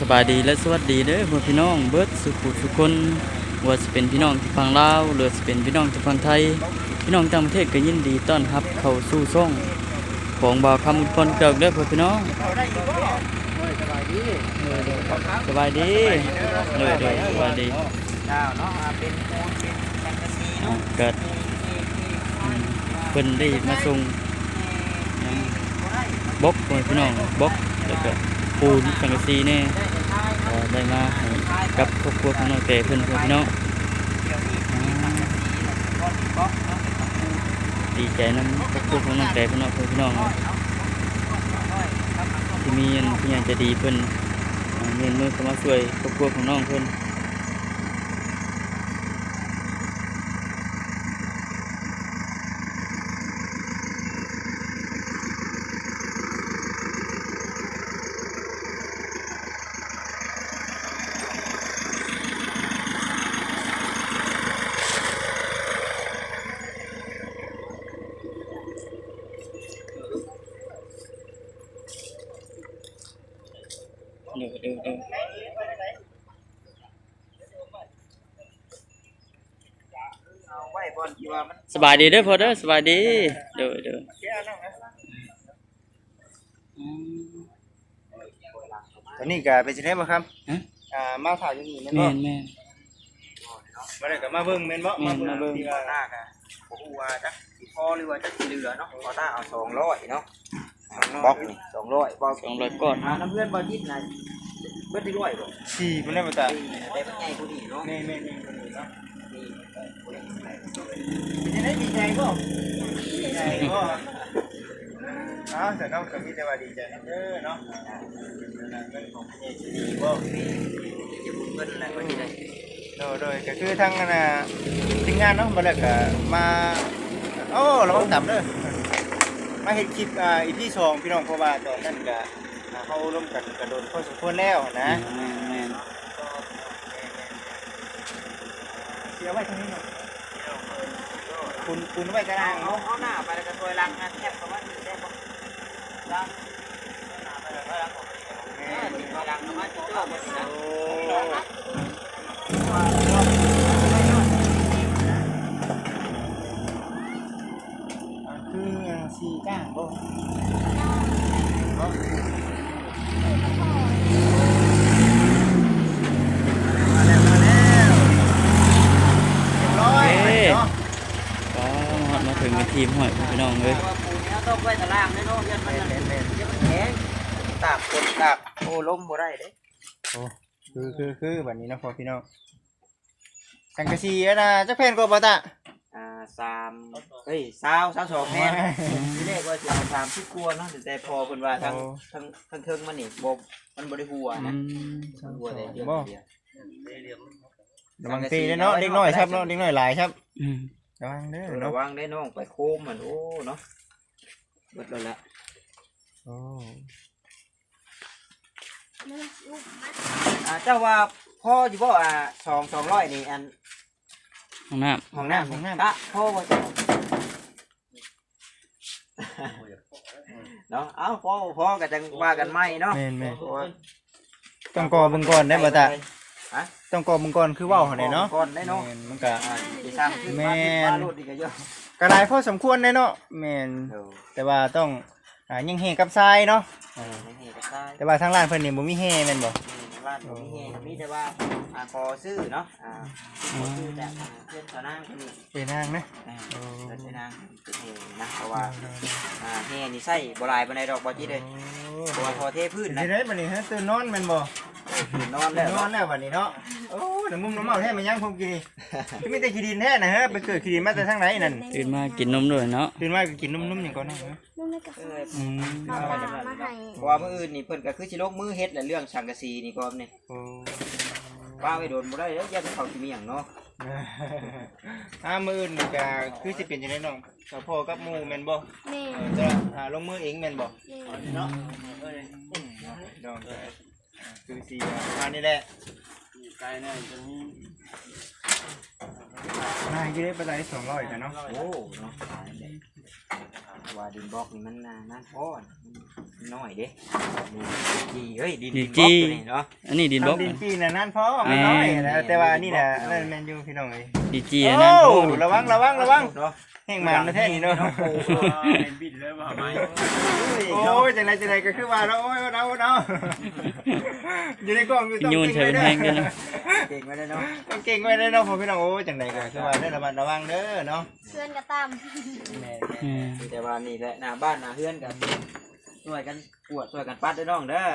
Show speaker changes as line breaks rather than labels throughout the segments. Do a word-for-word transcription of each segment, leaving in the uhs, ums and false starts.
สบายดีและสวัสดีเด้อพ่อพี่น้องเบิดสุขุทุกคนว่าจะเป็นพี่น้องที่ฝั่งลาวหรือจะเป็นพี่น้องที่ฝั่งไทยพี่น้องต่างประเทศก็ยินดีต้อนรับเข้าสู่ช่องของบ่าวคำอุปนเกิดเด้อพ่อพี่น้องสบายดีเลยเด้อสบายดี
เจ้าเนาะเป็นปูนเป็นแฟนตาซีเนาะ
เกิดเพิ่นได้มาส่งบกพ่อพี่น้องบกแล้วก็ปูนสังกะสีแน่ได้มากับครอบครัวของน้องแต่เพิ่นพ่อพี่น้องดีใจนำครอบครัวของน้องแต่เพิ่นเนาะพ่อพี่น้องที่มีอันที่ยังจะดีเพิ่นเงินมือเข้ามาช่วยครอบครัวของน้องเพิ่นเด้อเด้อเด้อสบายดีเด้อพ่อเด้อสบายดีเด้อเด้อ
ตอนนี้ก็เป็นจังได๋บ่ครับอ่ามาถ่ายอยู่นี่แม่นบ่
แม่นแม่น
บ่ได้ก็มาเบิ่งแม่นบ่มาเบิ่งที่ว่าตาก็บ่ฮู้ว่าจักสิพอหรือว่าจักสิเหลือเนาะพอตาเอาสองร้อยเนาะบล็อกนี่สองร้อยบล็อก
สองร้อยก้อน
หาน้ำเพื่อนบ่ยิดน่ะเบิดที่ร้อยบ่สี่เพิ่นได้บ่ตาได้บ่ใหญ่ผู้นี้เนาะแม่ๆๆคนนี้เนาะนี่เป็นจังได๋ดีใจบ่ดีใจบ่อ้าวแต่เนาะก็มีแต่ว่าดีใจเด้อเนาะเงินของพี่สิดีบ่จะบุญเพิ่นแหละก็สิได้โดยๆก็คือทางน่ะทีมงานเนาะบ่แล้วก็มาโอ้ระวังต่ำเด้อมาเฮ็ดคลิปอ่า อี พี สองพี่น้องเพราะว่าตอนนั้นก็เฮาร่วมกันก็โดนพอสมควรแล้วนะ
แม่นแม่น
เสียไว้ทางนี้เนาะคุณคุณไว้กระด้างเอาเอาหน้าไปแล้วก็ถอยหลังนะแทบประมาณนี้ได้บ่หลังหน้าไปแล้วถอยหลังออกไปเออถอยหลังประมาณนี้เด้อบ่สินะโอ้คือสีก้างบ่มาแล้วมาแล้วเรียบร้อยเนาะ
ก็ฮอดมาถึงทีมห้อยพี่น้องเอ้ย
ว่าปูนี้ต้องไว้ตารางแน่เนาะยันมันยันมันแข็งตากฝนตากโอ้ล้มบ่ได้เด้โอ้คือคือคือแบบนี้เนาะพ่อพี่น้องสังกะสีนะจักแผ่นก็บ่ตาอ่าสามเฮ้ยสาม สามสองแผ่นทีแรกว่าสิเอาสามสิบกว่าเนาะแต่พอเพิ่นว่าทั้งทั้งทั้งเทิงมันนี่บ่มันบ่ได้หัวนะมันหัวได้เดียวเดียวระวังตีเนาะเด็กน้อยครับเนาะเด็กน้อยหลายครับ
อืม
ระวังเด้อระวังได้น้องไปโคมมันโอ้เนาะเบิดแล้วละโอ้อ่าเจ้าว่าพ่ออยู่บ่อ่าสอง สองร้อยนี่อัน
ห้องน้ำ
ห้องน้ำห้องน้ำตะพ่อบ่เจ้าเนาะเอ้าพ่อพ่อก็จังว่ากันใหม่เนาะแม่นๆต้องกอเบิ่งก่อนได้บ่ตาฮะต้องกอเบิ่งก่อนคือเว้าหั่นเนาะก่อนได้เนาะมันก็สิสร้างขึ้นมาว่าโลดนี่ก็เยอะก็หลายพอสมควรได้เนาะแม่นแต่ว่าต้องอ่ายังแห่กับทรายเนาะเออยังแห่กับทรายแต่ว่าทางร้านเพิ่นนี่บ่มีแห่แม่นบ่ร้านบ่มีแห่มีแต่ว่าอ่าขอซื้อเนาะอ่าขอซื้อจากเพื่อนชาวนางคนนี้เพื่อนนางนะเออเพื่อนนางเป็นแห่นะเพราะว่าอ่าแห่นี่ใส่บ่หลายปานใดดอกบ่จิเด้เพราะว่าพอเทพื้นนะสิได้บัดนี้ฮะตื่นนอนแม่นบ่นอนแล้วนอนแล้วบัดนี้เนาะโอ้น้ำมุมน้ำเมาแท้มันยังผมกินนี่มีแต่ขี้ดินแท้นะฮะไปเกิดขี้ดินมาแต่ทางไหนนั่น
ตื่นมากินนมด้วยเนาะ
ตื่นมาก็กินนมๆอย่างก่อนนะนมในกาแฟอืมเพราะว่ามื้ออื่นนี่เพิ่นก็คือสิลงมือเฮ็ดแหละเรื่องสังกะสีนี่ก่อนนี่โอ้ว่าไว้โดนบ่ได้เด้ออย่าเขาสิมีหยังเนาะอ่ามื้ออื่นนี่ก็คือสิเป็นจังได๋น้องก็พ่อกับหมู่แม่นบ่แม่นจะหาลงมือเองแม่นบ่เนาะเอ้ยน้องคือสิประมาณนี้แหละไกลแน่จังนี้นายอยู่ได้ปานใดสองร้อยจ้ะเนาะโอ้เนาะว่าดินบล็อกนี่มันนานพอน้อยเด้จีเฮ้ยดินบล็อกนี่เนาะ
อันนี้ดินบล็อก
ดินจีน่ะนั่นพอไม่น้อยนะแต่ว่านี่น่ะนั่นแม่นอยู่พี่น้องเอ้ย
ดีจีอันนั้นโอ้
ระวังระวังระวังแห้งมันนะแท้นี่เนาะ
เป็นบินเลยว่าไม่
โอ้ยจังไรจังไรก็คือว่าเนาะโอ้ยเนาะเนาะอยู่ในกล้องอยู่ต้อง
ยูน
เก่ง
ใช้
ไว้
เป็น
เด้
แห้งด้วยนะ
อเก่งไว้ได้เนาะต้องเก่งไว้ได้เนาะพ่อพี่น้องโอ้ยจังไรก็คือว่าได้ระมัดระวังเด้อเนาะ
เพื่อนก็ตาม
แม่แต่ว่านี่แหละหน้าบ้านหน้าเฮือนกันช่วยกันปวดช่วยกันปัดด้วยน้องเด้อ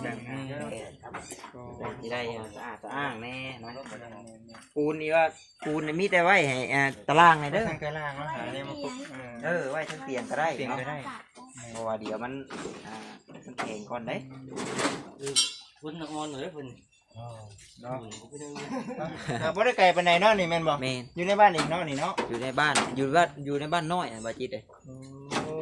ที่ได้สะอาดสะอ้างแน่เนาะปูนนี่ว่าปูนนี่มีแต่ไว้ให้ตารางไงเด้อตารางเนาะหาเนี่ยมาปุ๊บเออไว้ทั้งเตียงก็ได้เตียงก็ได้เพราะว่าเดี๋ยวมันอ่ามันแข็งก่อนเด้
คุณนอนเลยคุณ
เนาะบ่ได้ไกลปานใดเนาะนี่แม่นบ่อยู่ในบ้านอีกเนาะนี่เนาะอยู่ในบ้านอยู่บ้านอยู่ในบ้านน้อยอ่ะบ่จิตเด้โอ้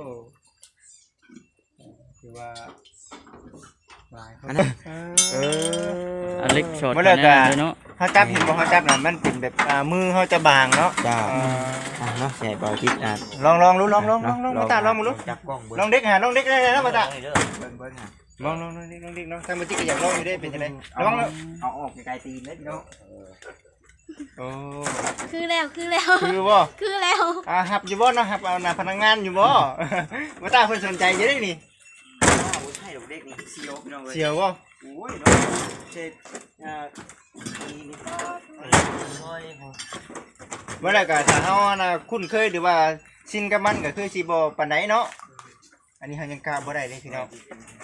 คือว่าหลายคนเออ
อันเล็กช็อต
บ่เลิกอ่ะ
เนาะ
เฮาจับเห็นบ่เฮาจับน่ะมันเป็นแบบอ่ามือเฮาจะบางเนาะจ้าอ่าเนาะใช่บ่จิตอ่ะลองลองดูลองลองลองลองมาตาลองมาดูจับกล้องลองเด็กหาลองเด็กได้แล้วมาตาเบิ่งเบิ่งหาลองลองลองเด็กลองเด็กลองทางบ่จิตก็อยากลองอยู่เด้เป็นจังได๋ลองเอาออกไกลๆตีนเด้เนาะโอ้
คือแล้วคือแล้ว
คือบ่
คือแล้ว
อ่าหับอยู่บ่เนาะหับเอาหน้าพนักงานอยู่บ่ บ่ตาเพิ่นสนใจอยู่เด้นี่บ่ใช่ดอกเด็กนี่เสียวพี่น้องเอ้ยเสียวบ่โอ้ยเนาะเช็ดอ่านี่นี่โอ้ยเมื่อไรก็ถ้าเฮาน่ะคุ้นเคยหรือว่าชินกับมันก็คือสิบ่ปานใดเนาะอันนี้เฮายังกล้าบ่ได้เลยพี่น้อง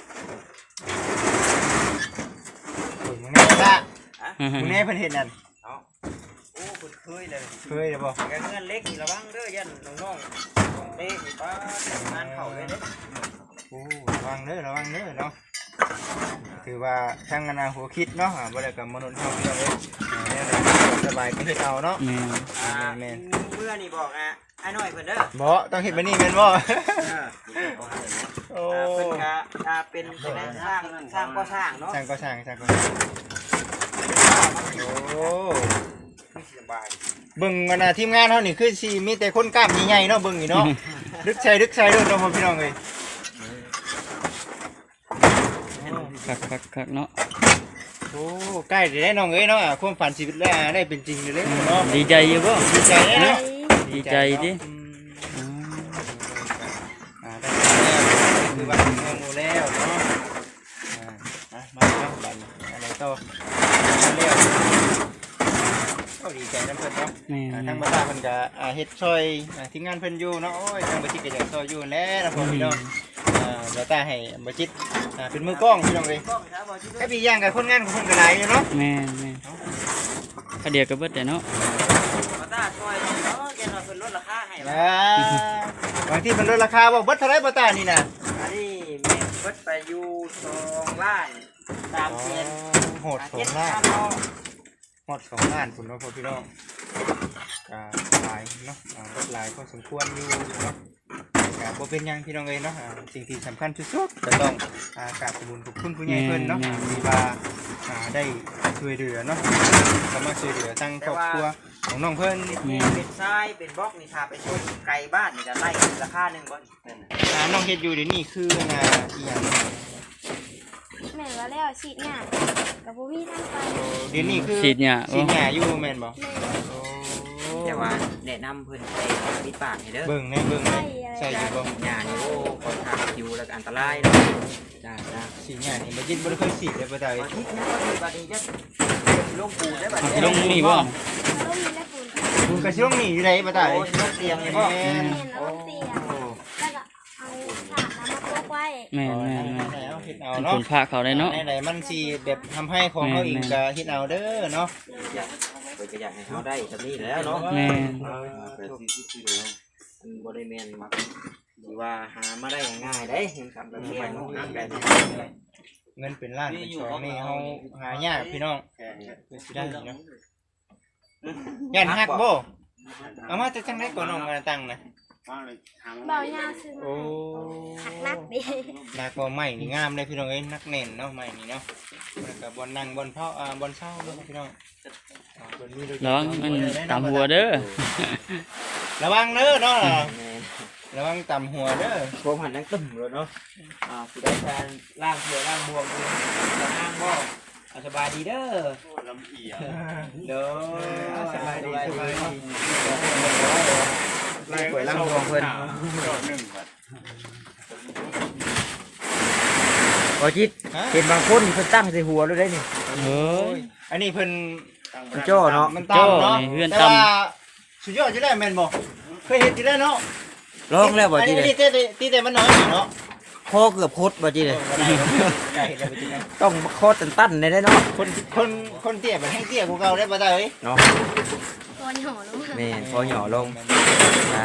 โอ้ยมึงแน่ละมึงแน่เพิ่นเฮ็ดนั่นเอ้าโอ้เพิ่นเคยเลยเคยเลยบ่แกเงินเล็กนี่ระวังเด้อยันน้องๆเด้นี่ป้างานเข้าเลยเด้โอ้ระวังเด้อระวังเด้อเนาะถือว่าทางอนาหัวคิดเนาะบ่ได้กับมนุษย์เฮาพี่น้องเอ้ยสบายก็เฮ็ดเอาเนาะ
แม่น
อ่าแม่นเมื่อนี่บอกอ่ะไอ้น้อยเพิ่นเด้อบ่ต้องเฮ็ดแบบนี้แม่นบ่โอ้เพิ่นก็อ่าเป็นเป็นสร้างสร้างก่อสร้างเนาะสร้างก่อสร้างสร้างก่อสร้างโอ้สบายเบิ่งอันน่ะทีมงานเฮานี่คือสิมีแต่คนกล้ามใหญ่ๆเนาะเบิ่งนี่เนาะดึกใส่ดึกใส่เด้อเนาะพ่อพี่น้องเอ้ย
คักคักคักเนาะ
โอ้ใกล้ได้น้องเอ้ยเนาะความฝันชีวิตแล้วได้เป็นจริงเลยเนาะ
ดีใจอยู่บ่
ดีใจเนาะ
ดีใจดิ
อ่าได้แล้วคือว่าเมืองหมู่แล้วเนาะอ่ามาแล้วบัดอะไรต่อแล้วก็ดีใจนํเพิ่นเนาะ
แม่
อ่าน ทางบ้านเพิ่นก็อ่าเฮ็ดช่วยอ่าทีมงานเพิ่นอยู่เนาะโอ้ยทางบ่จิตก็อยากช่วยอยู่แล้วนะพ่อพี่น้องอ่าแล้วตาให้บ่จิตอ่าเป็นมือกล้องพี่น้องเอ้ยแค่ปีอย่างกับคนงานของเพิ่นก็หลายอยู่เนาะ
แม่นแม่นข้าเดียวก็เบิดแต่เนาะ
บ่ตาช่วยเนาะแกว่าเพิ่นลดราคาให้อ่าบางทีเพิ่นลดราคาบ่เบิดเท่าไหร่บ่ตานี่น่ะอันนี้แม่เบิดไปอยู่สองล้านสามแสนโหดสองล้านโหดสองล้านพุ่นเนาะพ่อพี่น้องก็หลายเนาะอ่าเบิดหลายพอสมควรอยู่เนาะก็บ่เป็นหยังพี่น้องเอ้ยเนาะอ่าสิ่งที่สำคัญที่สุดก็ต้องอ่ากราบขอบคุณขอบคุณผู้ใหญ่เพิ่นเนาะที่ว่าอ่าได้ช่วยเหลือเนาะก็มาช่วยเหลือทั้งครอบครัวของน้องเพิ่นเป็นทรายเป็นบล็อกนี่ถ้าไปช่วยไกลบ้านนี่จะไล่ราคาหนึงบ่อ่าน้องเฮ็ดอยู่เดี๋ยวนี้คืออ่าอีหยัง
แม่ว่าแล้วฉีดหน้ากับบ่มีทางไป
เดี๋ยวนี้คือ
ฉีดหญ้า
ฉีดหญ้าอยู่แม่นบ่
แม่
แต่ว่าแนะนำเพิ่นใส่ปิดปากให้เด้อ
เบิ่งในเบิ่งในใส่อยู่บ่
หญ้านี่โอ้ค่อนข้างอยู่แล้วก็อันตรายเนาะจ้าจ้า
ฉีดหญ้านี่บ่ยินบ่ได้เคยฉีดเลยบ่ได้
บางทีนะบางทีจะลงปูนได้บัด
สิลงนี่บ่
เราต้องมีและฝุ่น
คุณก็สิลงนี่อยู่ไดบ่ได้
โอ้ยลงเตียงนี่บ่
แม่น
แม่นเราต้องเตียงแล้วก็เอาผ้าน้ำมาโปะไว้
แม่นแม่นแม่น
เอาเฮ็ดเอา
เป็น
เนาะ
คนพาเขาได้เนาะ
ไหนๆมันสิแบบทำให้ของเขาอีกก็เฮ็ดเอาเด้อเนาะ
อยากเพิ่นก็อยากให้เฮาได้แบบนี้แหล้วเนาะ
แม่น
มันบ่ได้แม่นมักหรือว่าหามาได้ง่ายๆเด้เห็นคำแบบนี้เนาะแบบนี้
เงินเป็นล้านเป็นสองนี่เฮาหายากพี่น้องคือสิได้เนาะย่านฮักบ่เอามาจากจังได๋ก่อนน้องมาตั้งนะ
เบายาวซื้อ
โอ้
หักนักดิ
นักบ่ใหม่นี่งามเลยพี่น้องเอ้ยนักแน่นเนาะใหม่นี่เนาะแล้วก็บ่นั่งบ่เผาอ่าบ่เช้าเนาะพี่น้องอ่าเพิ่นมีโดย
ระวังมันตามหัวเด้อ
ระวังเด้อเนาะ
แม่น
ระวังต่ำหัวเด้อ
ผมหันนั่งตึมเลยเนาะอ่าสิได้การล่างเสือล่างบวมเลยจะนั่งบ่เอาสบายดีเด้อ
ลำเอีย
เด้อ
สบายดีสบายดี
สวยล่างบวมเพิ่น
หนึ่งบาท
บ่จิตเห็นบางคนเพิ่นตั้งใส่หัวเลยได้นี่
เฮ้ย
อันนี้เพิ่น
มันโจ้เนาะ
มันตามเนาะ
โจ้นี่เฮือน
แต่
ตำ
ว่าสุดยอดจะได้แม่นบ่เคยเห็นจะได้เนาะ
ลองแล้วบ่จิต
อัน
เล
นี้
ย
ตีแต่ตีแต่มันน้อยเนาะ
คอเกือบคดบ่จิตเลย
ไก่ได้ไปจิได้
ต้องคอตันๆได้ได้เนาะ
คนคนคนเตี้ยแบบให้เตี้ยกูเก่าได้บ่ได้เอ้ย
เนาะ
ตัวหย่อลงมา
แม่นพอหย่อลงอ่า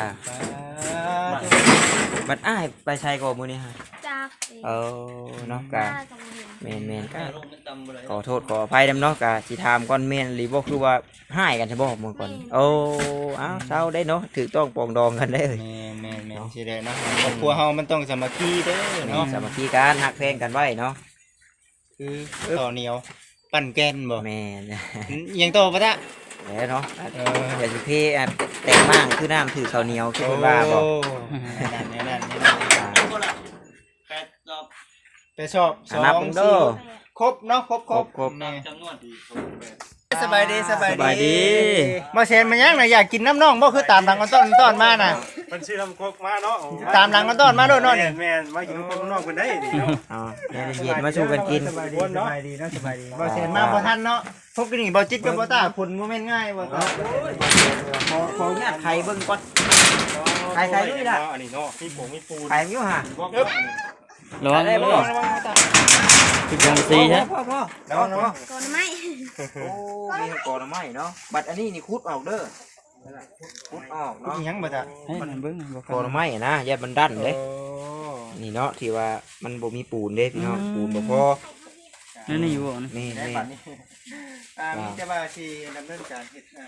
บัดอ้ายไปใช้ก่อมื้อนี้ฮะ
จาก
เออเนาะ
กะ
กะ
กับบ่เห็น
แม่นแม่นๆก็
ลงเป็นตำเลย
ขอโทษขออภัยนำเนาะกะสิถามก่อนแม่นหรือบ่คือว่าหายกันใช่บ่มื้อก่อนโอ้อ้าวเศร้าได้เนาะถูกต้องปรองดองกันได้เอ้ย
แม่นแม่นแม่นสิได้เนาะครอบครัวเฮามันต้องสามัคคีเด้อ
เนาะ
เนาะ
สามัคคีกันฮักแพงกันไว้เนาะ
คือต่อเหนียวปั่นแกนบ่
แม่น
ยังโตปะจ๊ะ
แล้วเนาะ
เออ
เดี๋ยวสิเพอ่ะแต่งมากคือน้ำถือข้าวเหนียวคือเพิ่นว่าบ่
นั่นนี่นั่นนี่นั่น
แปดรอบ
ไปชอบส
อ่ะ
อง
นับเบิ่งเด้อ
ครบเนาะครบครบ
ครบ
แม่
จำนวนดี
สบายดีสบาย
สบายดี
มาเซนมายังน่ะอยากกินน้ำน่องบ่คือตามหลังกันต้นต้นมาน่ะ
มันชื่อลำโคกมาเนาะ
ตามหลังกันต้นมาโดดโน่นนี่
แม่มาอยู่คนนอกคนได้ดิเนาะ
อ๋อแม่เย็นมาสู้กันกิน
สบายดีสบายดีเนาะสบายดีบ่เซนมาบ่ทันเนาะพวกนี่บ่จิตกับบ่ตาผลบ่แม่นง่ายบ่ตา
ขอขออนุญาตไข่เบิ่งก่อนไข่ไข่ด้วยล่ะ
อันนี้เนาะมีผงมีปูน
ไข่อยู่ห่า
ระวัง
ได้
เด้
บ่
อทุกอย่างสีฮะ
พ่อพ่อ
ระวังระวัง
ก่อนไม้
โอ้มีก่อนไม้เนาะบัดอันนี้นี่คุดออกเด้อคุดออก
อี
เนาะ
หยังบ่ตา
ให้มันเบิ่งบ่
ก่อนไม้นะอย่ามันดันเด้นี่เนาะที่ว่ามันบ่มีปูนเด้พี่น้องปูนบ่พอ
นั่นนี่อยู่บ่นะ
นี่
ได้
นี่
บัดนี้อ่ามีแต่ว่าสิดำเนินการเฮ็ดอ่า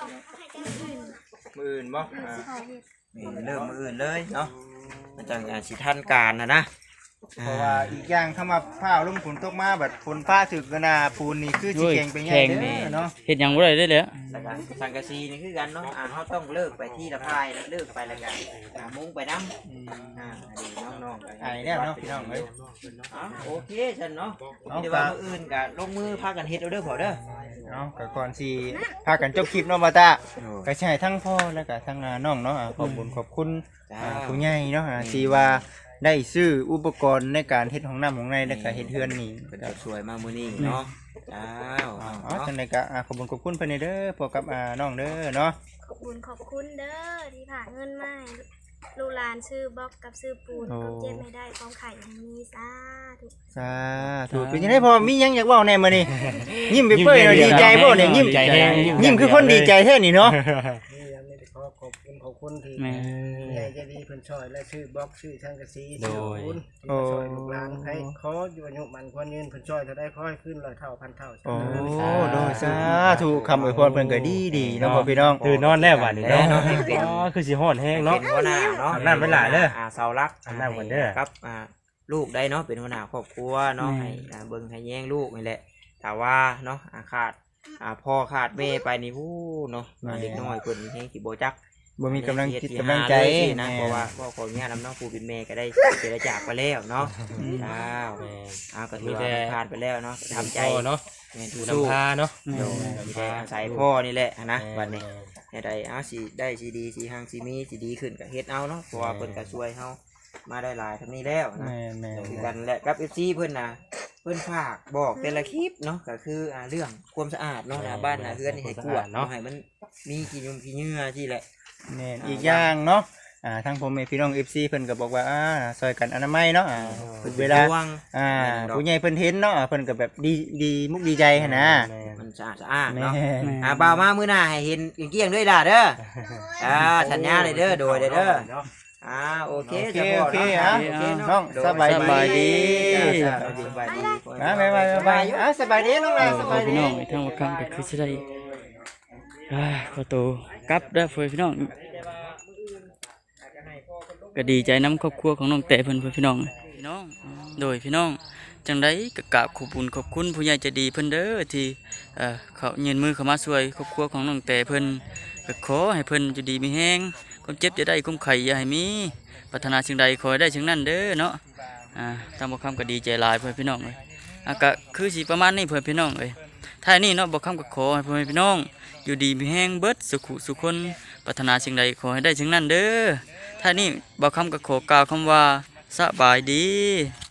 มื้ออื่นบ่อ่า
ขอเห็ด
นี่เริ่มมืออื่นเลยเนาะมันจังอ่ะสิทันการนะนะ
เพราะว่าอีกอย่างเข้ามาผ้าลงฝนตกมาแบบฝนฟ้าถึกกันน่ะปูนนี่คือสิแข็งไปง่ายเด้อเนาะ
เฮ็ดหยังบ่ได้เด้อแหละ
แล้วก็สังกะสีนี่คือกันเนาะอ่าเขาต้องเลิกไปที่ละพายแล้วเลิกไปแล้วกันอ่ามุ้งไปน้ำอ่าอันนี้น้องๆไป
ไอ้แล้วเนาะพี่น้องเอ้ย
อ๋อโอเคฉันเนาะมีแต่ว่ามืออื่นกับลงมือพากันเฮ็ดเอาเด้อพอเด้อ
เนาะก็ก่อนสิพากันจบคลิปเนาะบ่ตาก็ใช่ทั้งพ่อแล้วก็ทั้งอ่าน้องเนาะอ่าขอบคุณขอบคุณ
จ้า
อ่าผู้ใหญ่เนาะอ่าที่ว่าได้ซื้ออุปกรณ์ในการเฮ็ดห้องน้ำของในแล้วก็เฮ็ดเฮือนนี่
เป็นสวยมามื้อนี้เนาะจ้า
อ๋อ
เนาะ
จังไดก็อ่าขอบคุณขอบคุณเพิ่นเด้อพวกกับอ่าน้องเด้อเนาะ
ขอบคุณขอบคุณเด้อที่ผ่าเงินมาให้ลูกหลานซื้อบล็อกกับซื้อปูนก็เจ็บไม่ได้ความไข่ยังมีสาธุ
สาธุเป็นจังได๋พ่อมีหยังอยากเว้าแหน่มื้อนี้ยิ้มไปเปื่อยเนาะดีใจบ่เนี่ยยิ้ม
ใจแห้ง
ยิ้มคือคนดีใจแท้นี่เนาะ
ขอขอบคุณขอบคุณที่
แม่
ใหญ่ใจดีเพิ่นช่วยและชื่อบล็อกชื่อช่างกะสี
โดย
ชื่อคุณที่มาช่วยลูกหลานให้ขออยู่อายุมันควรยืนเพิ่นช่วยเท่าได้ขอให้ขึ้นร้อยเท่าพันเท่า
โอ้โดยสาธุคำอวยพรเพิ่นก็ดีดีๆเนาะพ่อพี่น้อง
ตื่นนอนแล้ววันนี้เนาะ
เนาะให้เป็น
อ๋อคือสิฮ้อนแห้งเนาะ
เป็นหัวหน้าเนาะ
อาบน้ำไว้หลายเด้อ
อ่าเสารัก
อาบน้ำก่อนเด้อ
ครับอ่าลูกได้เนาะเป็นหัวหน้าครอบครัวเนาะให้อ่าเบิ่งให้แย่งลูกนี่แหละแต่ว่าเนาะอ่าขาดอ่าพ่อขาดแม่ไปนี่ฮู้เนาะอ่าเด็กน้อยเพิ่นแฮงสิบ่จัก
บ่มีกำลังจิตกำลังใจ
นะเพราะว่าพ่อขออนุญาตนำน้องปู่เป็นแม่ก็ได้เสียจากไปแล้วเนาะอ้าวอ้าวก็ถือว่ามันผ่านไปแล้วเนาะทำใจ
เนาะ
แม่น
ดู
สู้
น้ำพาเนาะ
โดยมีแต่อาศัยพ่อนี่แหละนะวันนี้ให้ได้เอาสิได้สิดีสิหังสิมีสิดีขึ้นก็เฮ็ดเอาเนาะเพราะว่าเพิ่นก็ช่วยเฮามาได้หลายทำนี้แล้วนะ
แม่แม่
คือกันแหละกับ เอฟ ซี เพิ่นน่ะเพิ่นฝากบอกแต่ละคลิปเนาะก็คืออ่าเรื่องความสะอาดเนาะหน้าบ้านหน้าเรือนนี่ให้กวาดเนาะให้มันมีกี่ยุงกี่เหงื่อที่แหละ
แม่นอีกอย่างเนาะอ่าทางผมเองพี่น้อง เอฟ ซี เพิ่นก็บอกว่าอ่าซอยกันอนามัยเนาะอ่าเวลา
ระวัง
อ่าผู้ใหญ่เพิ่นเห็นเนาะอ่าเพิ่นก็แบบดีดีมุกดีใจหั่นนะ
มันสะอาดสะอ้าน
แม่
เนาะอ่าบ่าวมามื้อหน้าให้เห็นเกลี้ยงๆด้วยล่ะเด้ออ่าสัญญาเลยเด้อโดยเด้อเด้ออ่าโอเค
โอเค
จะพ
โอเค
นาะ
อ่ะ
โอเคเนาะ
น้องสบาย
สบายดี
จ้าสบายดี
อ่าบ๊ายบายบ๊ายบายอ่ะสบายดีน้อง
เอ
ลา
อ
ส
พ่
บา
อย พี่
ดี
น้องไอ้ทั้งว่าคำก็คือสิได้อ่าขอตัวกลับเด้อพ่อพี่น้องก็ดีใจนํครอบครัวของน้องแต่เพิ่นพ่อพี่น้องพี่น้องโดยพี่น้องจังไดก็กราบขอบคุณขอบคุณผู้ใหญ่ใจดีเพิ่นเด้อที่เอ่อเขายืนมือเข้ามาช่วยครอบครัวของน้องแต่เพิ่นก็ขอให้เพิ่นอยู่ดีมีแฮงความเจ็บจะได้ความไข้อย่าให้มีปรารถนาสิ่งใดขอให้ได้สิ่งนั้นเด้อเนาะอ่าตามบ่คำก็ดีใจหลายเพื่อนพี่น้องเอ้ยอ่ะก็คือสิประมาณนี้เพื่อนพี่น้องเอ้ยท้ายนี้เนาะบ่คำก็ขอให้เพื่อนพี่น้องอยู่ดีมีแฮงเบิดสุขุสุขคนปรารถนาสิ่งใดขอให้ได้สิ่งนั้นเด้อท้ายนี้บ่คำก็ขอกล่าวคำว่าสบายดี